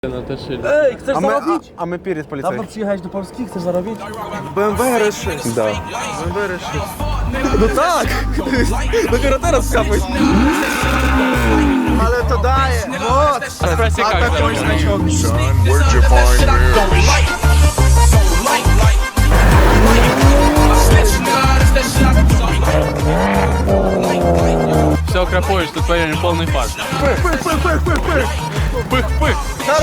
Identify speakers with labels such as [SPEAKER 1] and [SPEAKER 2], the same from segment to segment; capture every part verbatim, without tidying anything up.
[SPEAKER 1] No też się...
[SPEAKER 2] Ej, chcesz
[SPEAKER 3] A my,
[SPEAKER 2] zarobić?
[SPEAKER 3] a, a my перед
[SPEAKER 2] Dawno
[SPEAKER 3] полицейским.
[SPEAKER 2] przyjechałeś do Polski, chcesz zarobić?
[SPEAKER 3] бэ эм вэ эр эс шесть.
[SPEAKER 2] Да.
[SPEAKER 3] бэ эм вэ эр эс шесть. No tak! Dopiero teraz wskapłeś. Ale to daje! Вот!
[SPEAKER 1] Спроси,
[SPEAKER 3] A
[SPEAKER 1] как
[SPEAKER 3] такой
[SPEAKER 1] заработать.
[SPEAKER 3] значок.
[SPEAKER 4] Where'd you find this?
[SPEAKER 1] Все, крапуешь, тут твоей полный фарш.
[SPEAKER 3] Пых, пых, пых, пых, пых, пых!
[SPEAKER 1] Пых-пых!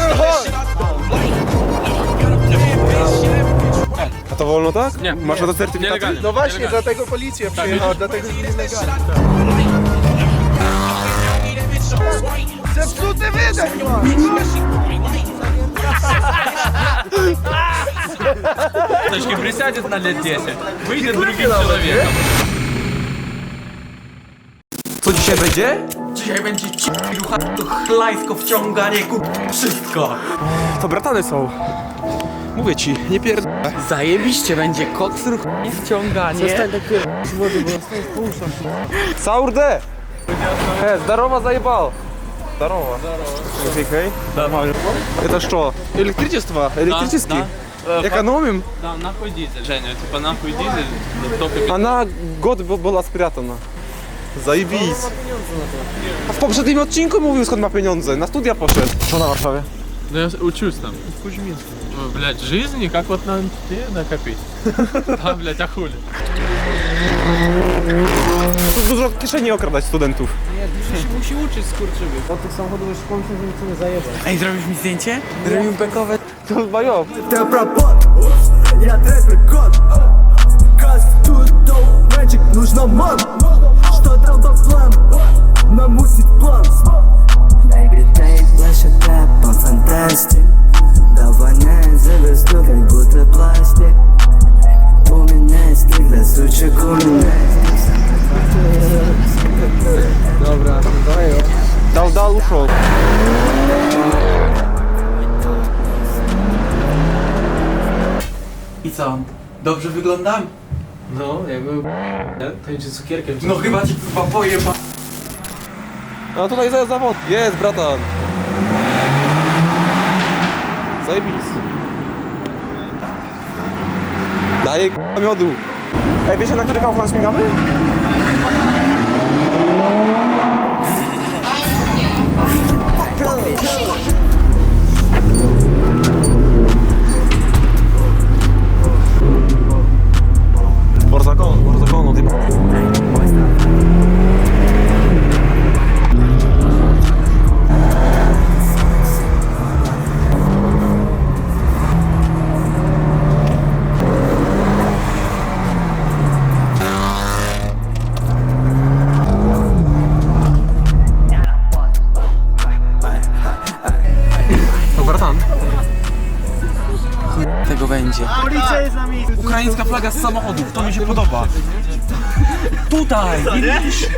[SPEAKER 3] A to wolno tak?
[SPEAKER 1] Nie.
[SPEAKER 3] Masz na to certyfikat?
[SPEAKER 1] Nielegalnie.
[SPEAKER 3] No właśnie,
[SPEAKER 1] Nielegalnie.
[SPEAKER 3] dlatego policja
[SPEAKER 1] Tak,
[SPEAKER 3] przyjechała,
[SPEAKER 1] widzisz?
[SPEAKER 3] dlatego jest nielegalnie. Zepsuty wydech
[SPEAKER 1] Точки присядет на лет десять, выйдет другим человеком.
[SPEAKER 2] Co dzisiaj będzie? Dzisiaj będzie ciucha, chlajsko, wciąganie, kup, wszystko.
[SPEAKER 3] To bratany są. Mówię ci, nie pierd...
[SPEAKER 2] Zajebiście będzie koks, ruch i wciąganie. Przestań tak z wody, bo zostań puszczam.
[SPEAKER 3] Саурде! Э, здорово, заебал! Здорово. Здорово. Окей.
[SPEAKER 1] Нормально.
[SPEAKER 3] Это что? Электричество? Электрический? Экономим?
[SPEAKER 1] Да, нахуй дизель, Женя, типа нахуй дизель, только...
[SPEAKER 3] Она год б- была спрятana. Zajebiś. A w poprzednim odcinku mówił, skąd ma pieniądze. Na studia poszedł. Co na Warszawie?
[SPEAKER 1] Да я учусь там. В Кузьминске. Блять, жизни, как вот нам тебе накопить? Да, блять, а хули?
[SPEAKER 3] Tu dużo kieszeni okradać studentów.
[SPEAKER 1] Musi uczyć skurczyby.
[SPEAKER 2] Od tych samochodów już pomyślę, że nic nie zajebał. Ej, zrobisz mi zdjęcie? Zrobimy bekowe.
[SPEAKER 3] To bajo.
[SPEAKER 5] Ты пропот, я трэпер кот. Каст тут мальчик, нужно ман. Что там по плану? Намусит план. Everyday плаща по фантастик. Давай завезду, как будто пластик. У меня есть когда сучек у меня.
[SPEAKER 2] Dobra, dawaj.
[SPEAKER 3] Dał, dał, uszło.
[SPEAKER 2] I co? Dobrze wyglądam?
[SPEAKER 1] No, jakby... Tańczy cukierkiem.
[SPEAKER 2] No chyba ci chyba pojeba.
[SPEAKER 3] No tutaj za zawód. Jest, bratan. Zajebis. Daję k***a miodu. Ej, wiecie, na który kaufman śmigamy? Por zakon, por zakon, no ty... To bratan.
[SPEAKER 2] Tego będzie.
[SPEAKER 3] Policja jest na miejscu.
[SPEAKER 2] Ukraińska flaga z samochodów, to mi się podoba. Tutaj, widzisz?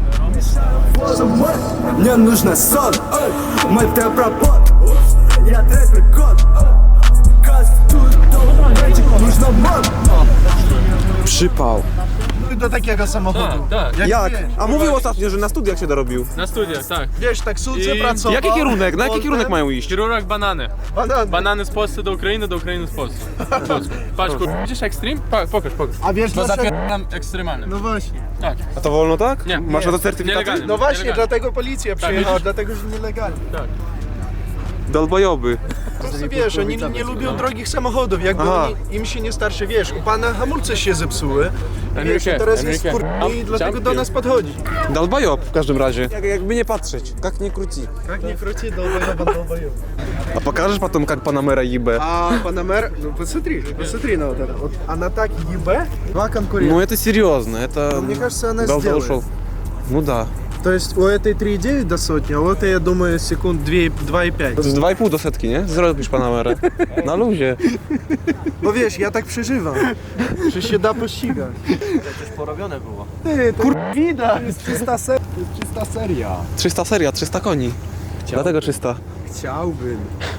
[SPEAKER 5] Мне нужно сон. Мой ты пропот, я трэпер кот. Каст тут мальчик, нужно ман.
[SPEAKER 3] Przypał.
[SPEAKER 6] Do takiego samochodu.
[SPEAKER 1] Tak, tak.
[SPEAKER 3] Jak? A mówił ostatnio, że na studiach się dorobił.
[SPEAKER 1] Na studiach, tak.
[SPEAKER 6] Wiesz, taksówce
[SPEAKER 1] I-
[SPEAKER 6] pracował.
[SPEAKER 3] Jaki kierunek? Na jaki
[SPEAKER 6] Potem-
[SPEAKER 3] kierunek mają iść?
[SPEAKER 1] Chirurg banany.
[SPEAKER 6] Banany.
[SPEAKER 1] Banany z Polski do Ukrainy, do Ukrainy z Polski. Polski. Patrz, kur... Widzisz Extreme? Pa, pokaż, pokaż.
[SPEAKER 6] A wiesz
[SPEAKER 1] Bo
[SPEAKER 6] dlaczego?
[SPEAKER 1] zapieram ekstremalny.
[SPEAKER 6] No właśnie.
[SPEAKER 1] Tak,
[SPEAKER 3] A to wolno tak?
[SPEAKER 1] Nie.
[SPEAKER 3] Masz na to certyfikat?
[SPEAKER 1] Nielegalnie.
[SPEAKER 6] No właśnie,
[SPEAKER 1] Nielegalnie.
[SPEAKER 6] dlatego policja przyjechała,
[SPEAKER 1] widzisz?
[SPEAKER 6] dlatego, że nielegalnie.
[SPEAKER 1] tak.
[SPEAKER 3] Dolbojoby.
[SPEAKER 6] Po prostu wiesz, oni nie lubią drogich samochodów, jakby
[SPEAKER 3] Aha.
[SPEAKER 6] oni, im się nie starczy, wiesz, u pana hamulce się zepsuły. Wiesz,
[SPEAKER 1] Enrique,
[SPEAKER 6] i teraz jest
[SPEAKER 1] Enrique.
[SPEAKER 6] kur... i dlatego do nas podchodzi.
[SPEAKER 3] Dolbojob w każdym razie. Jak, jakby nie patrzeć. Jak nie króci.
[SPEAKER 6] Jak nie króci, долбоёба, долбоёба.
[SPEAKER 3] A pokażesz potem jak Panamera ебе?
[SPEAKER 6] А Панамер, ну посмотри, посмотри на вот это. Вот она так ебе, два конкурента.
[SPEAKER 3] Ну это серьезно, это...
[SPEAKER 6] Мне кажется, она
[SPEAKER 3] Дал-
[SPEAKER 6] сделает.
[SPEAKER 3] ушел. Ну да.
[SPEAKER 6] То есть у этой три и девять до сотни, а у этой, я думаю, секунд два и пять.
[SPEAKER 3] Z dwa i pół do setki, nie? Zrobisz Panamerę. Na luzie.
[SPEAKER 6] Bo wiesz, ja tak przeżywam, że się da pościgać.
[SPEAKER 2] Porobione było.
[SPEAKER 6] Ty, to kur... widać, to jest czysta, ser... to jest czysta seria.
[SPEAKER 3] trzysta seria, trzysta koni. Dlatego trzysta.
[SPEAKER 6] Chciałbym.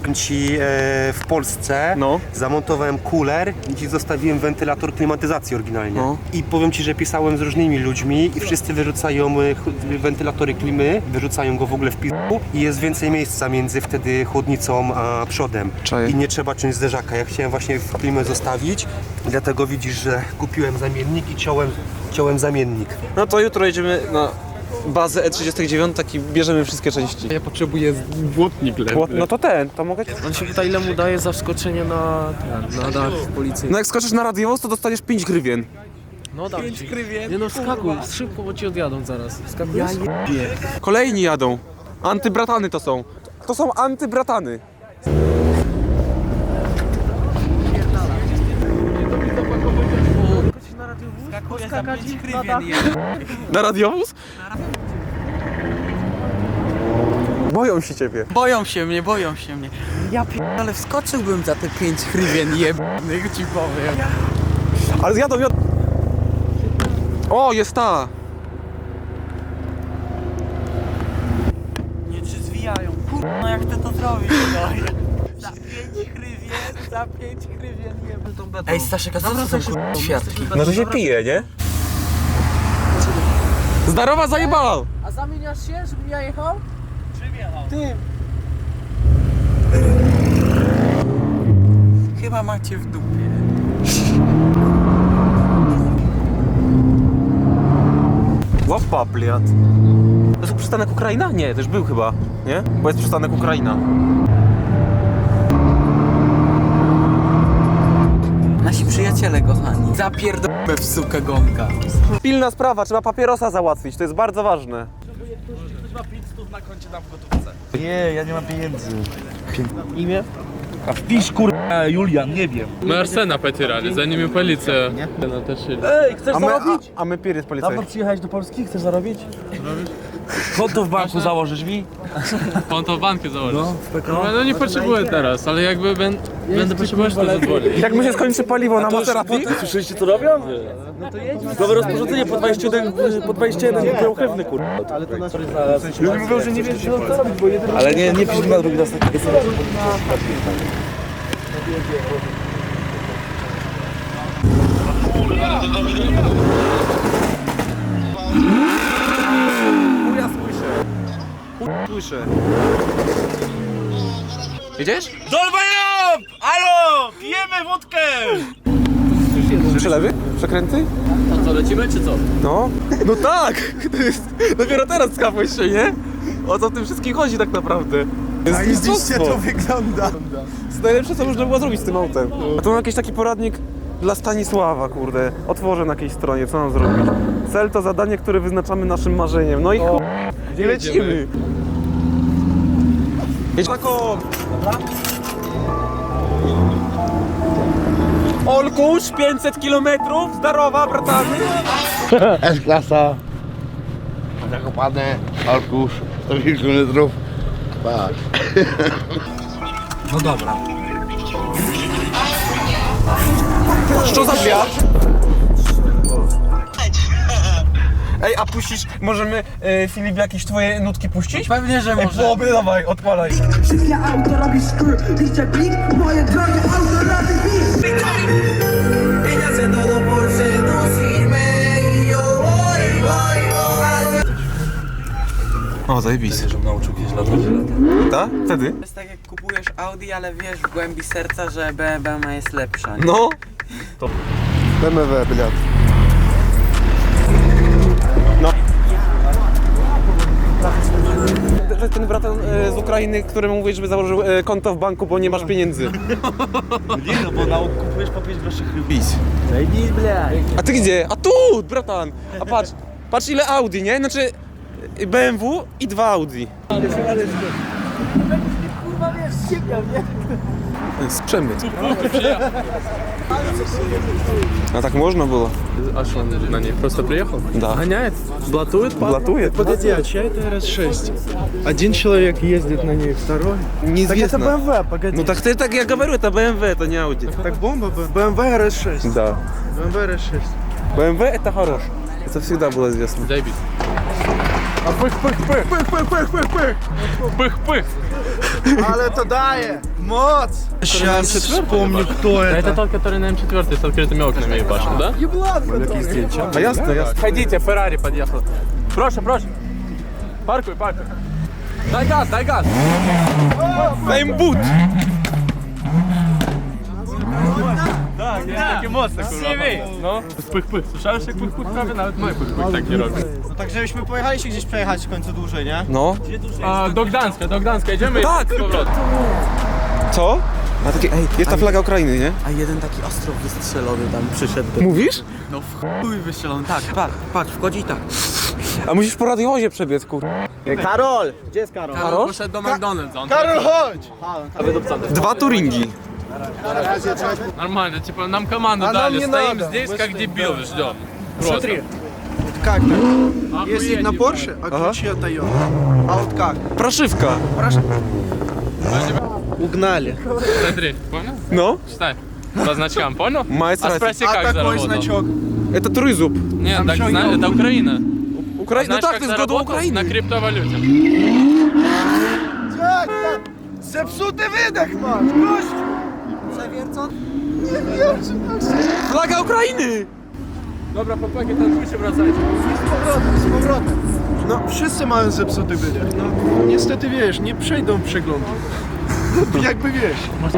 [SPEAKER 7] powiem ci, e, w Polsce
[SPEAKER 3] No.
[SPEAKER 7] zamontowałem cooler i ci zostawiłem wentylator klimatyzacji oryginalnie.
[SPEAKER 3] No.
[SPEAKER 7] I powiem ci, że pisałem z różnymi ludźmi i wszyscy wyrzucają e, ch- wentylatory klimy, wyrzucają go w ogóle w piłku i jest więcej miejsca między wtedy chłodnicą a przodem.
[SPEAKER 3] Czaję.
[SPEAKER 7] I nie trzeba ciąć zderzaka. Ja chciałem właśnie w klimę zostawić, dlatego widzisz, że kupiłem zamiennik i ciąłem, ciąłem zamiennik.
[SPEAKER 3] No to jutro jedziemy na bazę E trzydzieści dziewięć i bierzemy wszystkie części.
[SPEAKER 1] Ja potrzebuję błotnik lepszy.
[SPEAKER 3] No to ten, to mogę...
[SPEAKER 6] On się pyta, ile mu daje za wskoczenie na, na dach policji.
[SPEAKER 3] No jak skoczysz na radiowóz, to dostaniesz pięć grywien.
[SPEAKER 6] No dam ci. Nie no, wskakuj, szybko, bo ci odjadą zaraz. Wskakuj. Ja
[SPEAKER 3] Kolejni jadą. Antybratany to są. To są antybratany. Na radiowóz? Boją się ciebie.
[SPEAKER 8] Boją się mnie, boją się mnie. Ja ale wskoczyłbym za te pięć hrywien jebnych, ci powiem.
[SPEAKER 3] Ale zjadą, jadą. O, jest ta.
[SPEAKER 8] Nie, czy zwijają. Kurwa, no jak ty to zrobisz, no. Za pięć hrywien, za pięć hrywien jebę tą betą. Ej, Staszek, a co to są kurwa świadki?
[SPEAKER 3] No to się pije, nie? Zdarowa zajebała.
[SPEAKER 6] A zamieniasz się, żebym ja jechał? Czym jechał? Tym.
[SPEAKER 8] Chyba macie w dupie.
[SPEAKER 3] Łapa, bliad. To jest przystanek Ukraina? Nie, to już był chyba, nie? Bo jest przystanek Ukraina.
[SPEAKER 8] Nasi przyjaciele kochani. Zapierdolmy w sukę gąka.
[SPEAKER 3] Pilna sprawa, trzeba papierosa załatwić, to jest bardzo ważne.
[SPEAKER 9] Nie, ja nie mam pieniędzy. Imię? A wpisz kurwa Julian, nie wiem.
[SPEAKER 1] Мы Арсена потеряли, за ними полиция натащили.
[SPEAKER 9] Ej, chcesz
[SPEAKER 3] A my, a,
[SPEAKER 9] zarobić?
[SPEAKER 3] a my pier jest
[SPEAKER 9] Dawno
[SPEAKER 3] policjant.
[SPEAKER 9] przyjechałeś do Polski, chcesz zarobić? Konto w banku założysz mi?
[SPEAKER 1] Konto w banku założyć.
[SPEAKER 9] No, w P K O.
[SPEAKER 1] No, no nie potrzebuję teraz, ale jakby ben, będę potrzebować, to zadzwonię.
[SPEAKER 3] Jak mu się skończy paliwo na Maserati?
[SPEAKER 9] Słyszeliście co robią? No to jedź. Nowe rozporządzenie po dwadzieścia jeden, po dwadzieścia jeden pełchewny kurwa. Ale to nas Ludzie mówią, że nie wiesz co robić, bo jeden... Ale nie, nie pisz na drugi raz takiego samego.
[SPEAKER 3] Słyszę. Jedziesz?
[SPEAKER 9] Dolbajob! Alo! Pijemy wódkę!
[SPEAKER 3] Przelewy? Przekręty?
[SPEAKER 6] A co, lecimy czy co?
[SPEAKER 3] No. No tak! To jest... Dopiero teraz skapłeś się, nie? O co w tym wszystkim chodzi tak naprawdę? Zajebiście to wygląda. To jest najlepsze, co można było zrobić z tym autem. A tu mam jakiś taki poradnik dla Stanisława, kurde. Otworzę na jakiejś stronie, co mam zrobić? Cel to zadanie, które wyznaczamy naszym marzeniem. No i chuj, i lecimy. Jedź na kop! Olkusz, pięćset kilometrów, zdarowa, bratany.
[SPEAKER 4] S-klasa. Zakopane, Arkusz, sto kilometrów. Patrz.
[SPEAKER 9] No dobra.
[SPEAKER 3] Co za wiatr? Ej, a puścisz, możemy, e, Filip, jakieś twoje nutki puścić?
[SPEAKER 8] Pewnie, że
[SPEAKER 3] Ej,
[SPEAKER 8] może.
[SPEAKER 3] byłoby, dawaj, odpalaj.
[SPEAKER 5] Szybkie auto robi skr, liczę blik, moje drogie auto robi blik. Pieniądze to do Porsche, do firmy i yo, oj, oj, oj.
[SPEAKER 3] O, zajebisty.
[SPEAKER 9] Żebym nauczył kiedyś latać.
[SPEAKER 3] Tak? Wtedy?
[SPEAKER 8] To jest tak jak kupujesz Audi, ale wiesz w głębi serca, że B M W jest lepsza. Nie?
[SPEAKER 3] No.
[SPEAKER 4] B M W, bliad.
[SPEAKER 3] No. Ten bratan e, z Ukrainy, któremu mówisz, żeby założył e, konto w banku, bo nie masz pieniędzy.
[SPEAKER 9] Nie no, bo na kupujesz po pięć groszy chyba.
[SPEAKER 3] Bis.
[SPEAKER 9] Zajebis, bля.
[SPEAKER 3] A ty gdzie? A tu, bratan! A patrz, patrz ile Audi, nie? Znaczy B M W i dwa Audi.
[SPEAKER 6] Kurwa wiesz, sięgam, nie?
[SPEAKER 3] To jest przemyt. A так можно было?
[SPEAKER 1] А что он на ней? Просто приехал?
[SPEAKER 3] Да.
[SPEAKER 1] Гоняет? Блатует?
[SPEAKER 3] Блатует?
[SPEAKER 6] Погоди, а чья это эр эс шесть? Один человек ездит на ней, второй.
[SPEAKER 3] Неизвестно.
[SPEAKER 6] Так это бэ эм вэ, погоди.
[SPEAKER 3] Ну так ты так я говорю, это бэ эм вэ, это не Audi.
[SPEAKER 6] Так бомба, бэ эм вэ эр эс шесть.
[SPEAKER 3] Да.
[SPEAKER 6] бэ эм вэ эр эс шесть.
[SPEAKER 3] бэ эм вэ это хорош. Это всегда было известно.
[SPEAKER 1] Заебись.
[SPEAKER 6] А пых-пых-пых, пых-пых-пых-пых-пых.
[SPEAKER 1] Пых-пых!
[SPEAKER 6] Ale to daje! Moc! Сейчас вспомню, кто
[SPEAKER 1] Это тот, который на эм четыре с открытыми окнами ебашил, да?
[SPEAKER 3] A jasne, jasne.
[SPEAKER 1] Ходите, Феррари подъехал. Прошу, прошу. Паркуй, паркуй. Дай газ, дай газ.
[SPEAKER 3] Таймбут!
[SPEAKER 1] Так, я taki mocny, kurwa. No. Pych-pych. Słyszałeś jak pych-pych prawie? Nawet mój pych-pych tak nie robi.
[SPEAKER 6] No tak, żebyśmy pojechali się gdzieś przejechać w końcu dłużej, nie?
[SPEAKER 3] No.
[SPEAKER 1] A, do Gdańska, do Gdańska. Idziemy
[SPEAKER 3] Tak!
[SPEAKER 1] z powrotem.
[SPEAKER 3] Co? A takie, ej, jest ta flaga Ukrainy, nie?
[SPEAKER 8] A jeden taki ostrov wystrzelony tam przyszedł. Do...
[SPEAKER 3] Mówisz?
[SPEAKER 8] No w chuj wystrzelony, tak, patrz, patrz, wchodzi i tak.
[SPEAKER 3] A musisz po radiowozie przebiec, kur...
[SPEAKER 6] Karol! Gdzie jest Karol?
[SPEAKER 1] Karol poszedł do McDonald's. On
[SPEAKER 6] Karol, chodź!
[SPEAKER 3] Dwa Turingi.
[SPEAKER 1] Нормально, типа нам команду
[SPEAKER 6] А нам
[SPEAKER 1] дали,
[SPEAKER 6] не
[SPEAKER 1] стоим
[SPEAKER 6] надо.
[SPEAKER 1] здесь
[SPEAKER 6] Мы
[SPEAKER 1] как
[SPEAKER 6] стоим.
[SPEAKER 1] дебилы, ждем.
[SPEAKER 6] Смотри. Как так? Ездить на
[SPEAKER 1] Охуеть,
[SPEAKER 6] Порше, а
[SPEAKER 3] Ага.
[SPEAKER 6] ключи от Toyota. А вот как?
[SPEAKER 3] Pрошивka.
[SPEAKER 6] Угнали.
[SPEAKER 1] Смотри, понял?
[SPEAKER 3] No.
[SPEAKER 1] Читай. По значкам, понял?
[SPEAKER 3] Мать
[SPEAKER 1] А
[SPEAKER 3] разница.
[SPEAKER 1] спроси,
[SPEAKER 6] А
[SPEAKER 1] как
[SPEAKER 6] такой
[SPEAKER 1] заработал.
[SPEAKER 6] значок?
[SPEAKER 3] Это Трызуб.
[SPEAKER 1] Нет, так, зна- это Украина.
[SPEAKER 3] Украина.
[SPEAKER 1] Знаешь,
[SPEAKER 3] Ну так,
[SPEAKER 1] как
[SPEAKER 3] ты с года
[SPEAKER 1] заработал? На
[SPEAKER 3] Украины.
[SPEAKER 1] криптовалюте.
[SPEAKER 6] Jak tak? Zepsuty wydech masz, gościu! Przewiercony? Nie wiem, czy
[SPEAKER 3] Flaga Ukrainy!
[SPEAKER 1] Dobra, chłopaki, tankujcie, wracajcie.
[SPEAKER 6] Z powrotem, z powrotem. No, wszyscy mają zepsuty wydech. No, niestety wiesz, nie przejdą przeglądu. Jakby wiesz.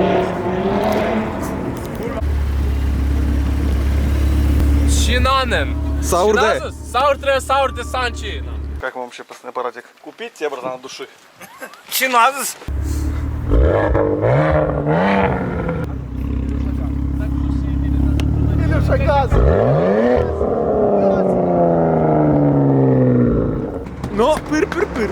[SPEAKER 1] Щинаnen.
[SPEAKER 3] Saurde.
[SPEAKER 1] Щиназус, Сауртре, Саурте, Санчи.
[SPEAKER 9] Как вам вообще аппаратик? Купить тебе, братан, от души.
[SPEAKER 1] Щиназус.
[SPEAKER 6] Ile przekazy?
[SPEAKER 3] No, pyr, pyr, pyr.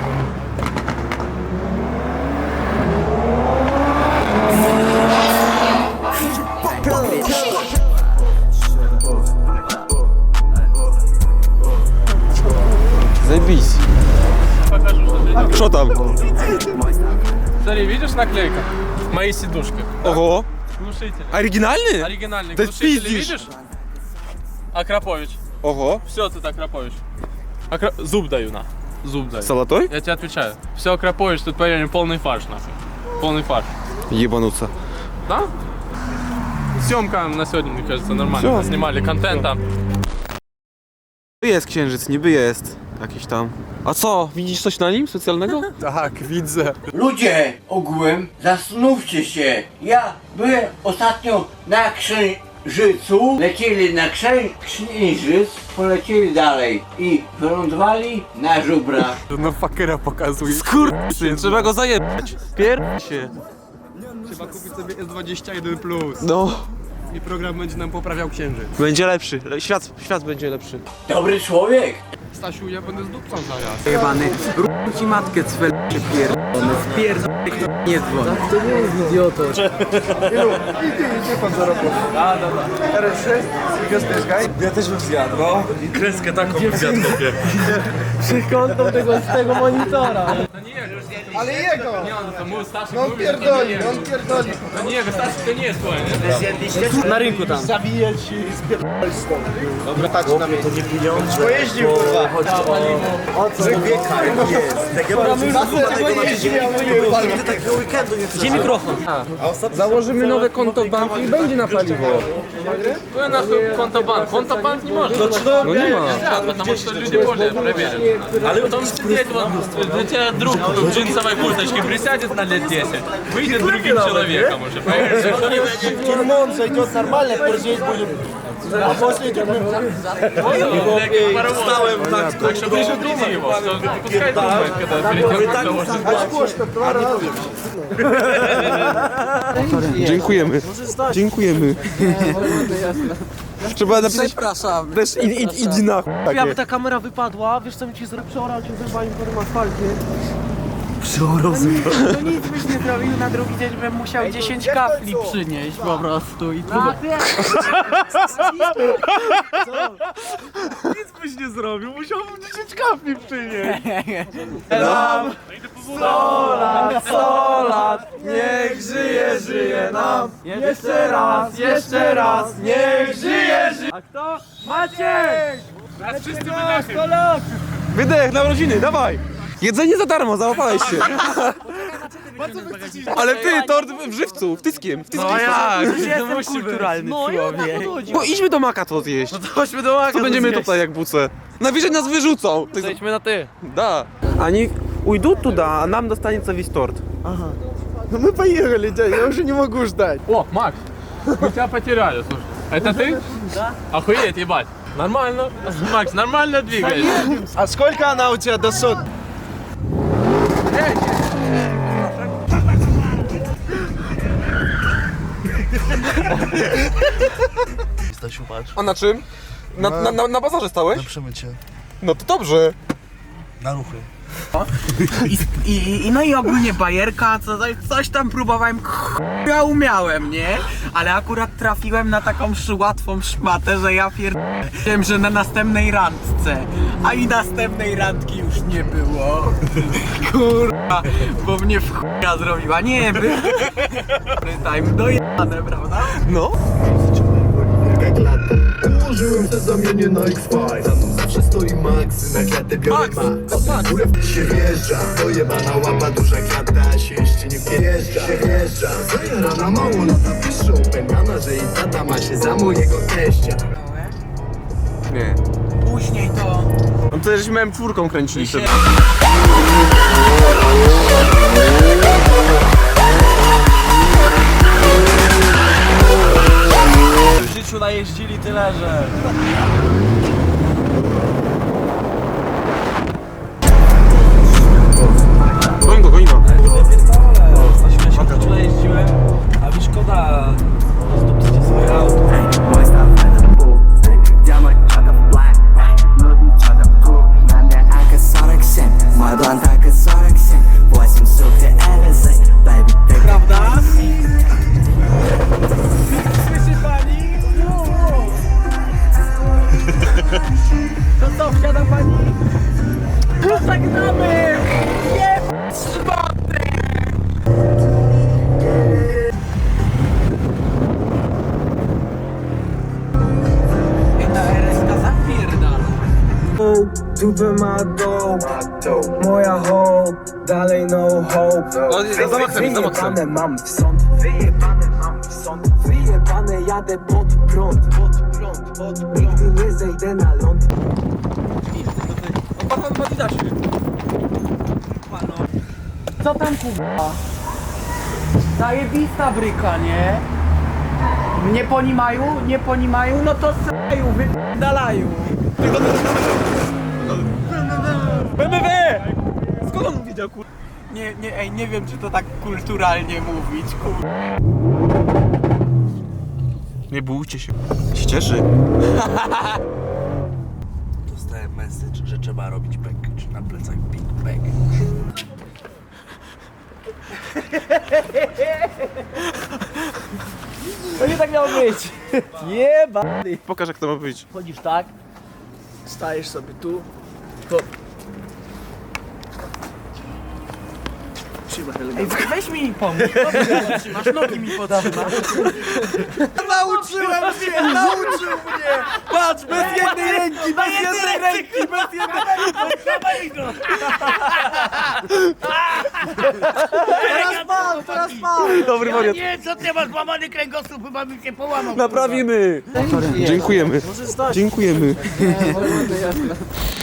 [SPEAKER 3] Заебись.
[SPEAKER 1] Покажу, что ты.
[SPEAKER 3] Что там?
[SPEAKER 1] Смотри, видишь наклейка? Мои сидушки.
[SPEAKER 3] Ого.
[SPEAKER 1] Глушители.
[SPEAKER 3] Оригинальные?
[SPEAKER 1] Оригинальный
[SPEAKER 3] Да
[SPEAKER 1] глушители,
[SPEAKER 3] пиздишь.
[SPEAKER 1] видишь? Акрапович.
[SPEAKER 3] Ого.
[SPEAKER 1] Все, ты Акрапович. Акра... Зуб даю, на. Зуб даю.
[SPEAKER 3] Золотой?
[SPEAKER 1] Я тебе отвечаю. Все Акрапович, тут поверь, полный фарш, нахуй. Полный фарш.
[SPEAKER 3] Ебануться.
[SPEAKER 1] Да? Съемка на сегодня, мне кажется, нормально.
[SPEAKER 3] Всё.
[SPEAKER 1] Снимали контент там.
[SPEAKER 3] Jest księżyc, niby jest. Jakiś tam. A co? Widzisz coś na nim specjalnego?
[SPEAKER 6] Tak, widzę.
[SPEAKER 10] Ludzie ogółem, zastanówcie się. Ja byłem ostatnio na Księżycu, lecieli na księ... Księżyc, polecieli dalej i wylądowali na żubrach.
[SPEAKER 3] No fakera pokazuje. Skurczyn, trzeba go zajebać. Pier... się.
[SPEAKER 6] Trzeba kupić sobie S dwadzieścia jeden plus.
[SPEAKER 3] No.
[SPEAKER 6] I program będzie nam poprawiał księżyc.
[SPEAKER 3] Będzie lepszy. Le- Świat, świat będzie lepszy.
[SPEAKER 10] Dobry człowiek.
[SPEAKER 1] Stasiu, ja będę z dupcą zaraz.
[SPEAKER 8] Jebany, rób ci matkę cwel się pierdolony, wpierdolony, nie dzwoń. To nie jest idioto.
[SPEAKER 6] Idzie pan za robotę. Da, da, da. R sześć, gwiazdeczka.
[SPEAKER 3] Ja też bym zjadł, no.
[SPEAKER 1] Kreskę taką zjadł kopię.
[SPEAKER 8] Kątem tego, z tego monitora.
[SPEAKER 6] Ale jego!
[SPEAKER 1] Nie, on to mój Stasiu
[SPEAKER 6] No on
[SPEAKER 1] mówi,
[SPEAKER 6] pierdoli,
[SPEAKER 1] że to nie
[SPEAKER 6] on pierdoli.
[SPEAKER 1] jest. To nie jego, Stasiu to nie jest twoje, nie?
[SPEAKER 8] Na rynku tam.
[SPEAKER 6] Zawijać i spierdolić stąd. Dobra, patrz na mnie. To nie pieniądze. Pojeździł, kurwa. O co? Że wieka jest. Takiego
[SPEAKER 8] Gdzie mikrofon?
[SPEAKER 1] Założymy nowe konto w banku i będzie na paliwo. No na konto bank. Konto bank nie może.
[SPEAKER 3] No nie ma.
[SPEAKER 1] Да, потому что люди более проверены. Але потом сидеть вот, для тебя друг в джинсовой курточке присядет на лет десять, выйдет другим человеком уже, понимаешь?
[SPEAKER 6] Тюрьмон зайдет нормально, поржеть будем. А после тюрьмы...
[SPEAKER 1] Встałem так, так что предупреди его, что пускай думает, когда перед тем, как доложить.
[SPEAKER 6] Очко, что два раза.
[SPEAKER 3] Dziękujemy. Dziękujemy. Trzeba napisać...
[SPEAKER 8] Przepraszam.
[SPEAKER 3] Też idź, idź, idź na chuj takie.
[SPEAKER 8] Jakby ta kamera wypadła, wiesz co mi ci zrobił? Przeorał cię zębami po tym asfalcie. Przeorał To nic byś nie zrobił, na drugi dzień bym musiał dziesięć kafli przynieść po prostu i to...
[SPEAKER 3] Nic byś nie zrobił, musiałbym dziesięć kafli przynieść.
[SPEAKER 8] Nam sto lat, sto lat, niech żyje, żyje nam. Jeszcze raz, jeszcze raz, niech żyje, żyje. A kto? Maciek!
[SPEAKER 1] Raz wszyscy wydechy.
[SPEAKER 8] sto lat!
[SPEAKER 3] Wydech na rodziny, dawaj. Jedzenie za darmo, załapałeś się. Ale ty, tort w żywcu, w tyskiem, w tyskiem.
[SPEAKER 8] No jak?
[SPEAKER 3] Już
[SPEAKER 8] Jestem kulturalny człowiek.
[SPEAKER 3] No idźmy do Maka to zjeść.
[SPEAKER 8] No to chodźmy do Maka.
[SPEAKER 3] Co będziemy tutaj jak buce? Najwyżej nas wyrzucą.
[SPEAKER 8] Zejdźmy na ty.
[SPEAKER 3] Да. Они уйдут туда, а нам достанется весь торт.
[SPEAKER 6] Ну мы поехали, дядя, я уже не могу ждать.
[SPEAKER 1] О, Макс, мы тебя потеряли, слушай. Это ты? Да. Охуеть, ебать. Нормально. Макс, нормально двигаешься.
[SPEAKER 6] А сколько она у тебя до сот?
[SPEAKER 4] Stasiu, patrz.
[SPEAKER 3] A na czym? Na, na, na, na bazarze stałeś?
[SPEAKER 4] Przemycie.
[SPEAKER 3] No to dobrze.
[SPEAKER 4] Na ruchy.
[SPEAKER 11] I, i, i no i ogólnie bajerka, co, coś tam próbowałem, ja umiałem, nie? Ale akurat trafiłem na taką sz- łatwą szmatę, że ja pier... Wiem, że na następnej randce, a i następnej randki już nie było. Kurwa, bo mnie w chuja zrobiła, nie by. Time dojebane, prawda?
[SPEAKER 3] No.
[SPEAKER 5] Jak lato Ułożyłem te zamienie na X pięć. Za mną zawsze stoi Max, na klatę biorę Max. Górę się wjeżdża, dojebana łapa, duża klata, się jeszcze nie wjeżdża, się wjeżdża. Zajarana mało lata piszą, pękana, że i tata ma się za mojego teścia.
[SPEAKER 3] Nie.
[SPEAKER 11] Później to...
[SPEAKER 3] No to żeśmy M cztery kręcili wtedy.
[SPEAKER 8] W życiu najeździli tyle, że...
[SPEAKER 3] Goń go, goń go.
[SPEAKER 8] Na śmieciu najeździłem, a mi szkoda zdupcycie swoje auto.
[SPEAKER 11] Prawda? To co, wsiada pani? Pożegnamy! Nie szmaty! Ta R S K zapierdala.
[SPEAKER 5] Dupę ma dope, moja hope, dalej no hope.
[SPEAKER 3] No, za maksem, za maksem.
[SPEAKER 5] Wyjebane mam w sąd, wyjebane mam w sąd, wyjebane jadę pod prąd, pod prąd, pod prąd. Nigdy nie zejdę na ląd.
[SPEAKER 11] Co tam kurwa? Zajebista bryka, nie? Nie ponimają? Nie ponimają? No to s***aju, wypdalają.
[SPEAKER 3] B M W! Skąd on widział, kur...
[SPEAKER 11] Nie, nie, ej, nie wiem czy to tak kulturalnie mówić, kur...
[SPEAKER 3] Nie bójcie się. Się cieszy.
[SPEAKER 4] Dostałem message, że trzeba robić package na plecach Big Bag.
[SPEAKER 8] To nie tak miało być. Jebany.
[SPEAKER 3] Pokaż jak to ma być.
[SPEAKER 8] Chodzisz tak.
[SPEAKER 6] Stajesz sobie tu, to...
[SPEAKER 11] Ej, weź mi pomóż. Masz nogi mi potrzymasz.
[SPEAKER 8] Nauczyłem się, nauczył mnie! Patrz, bez jednej ręki, bez jednej ręki, bez jednej ręki! Teraz mam, teraz mam!
[SPEAKER 3] Dobry wariat.
[SPEAKER 10] Nie, co ty masz łamany kręgosłup, chyba mi się połamał.
[SPEAKER 3] Naprawimy. Dziękujemy. Dziękujemy.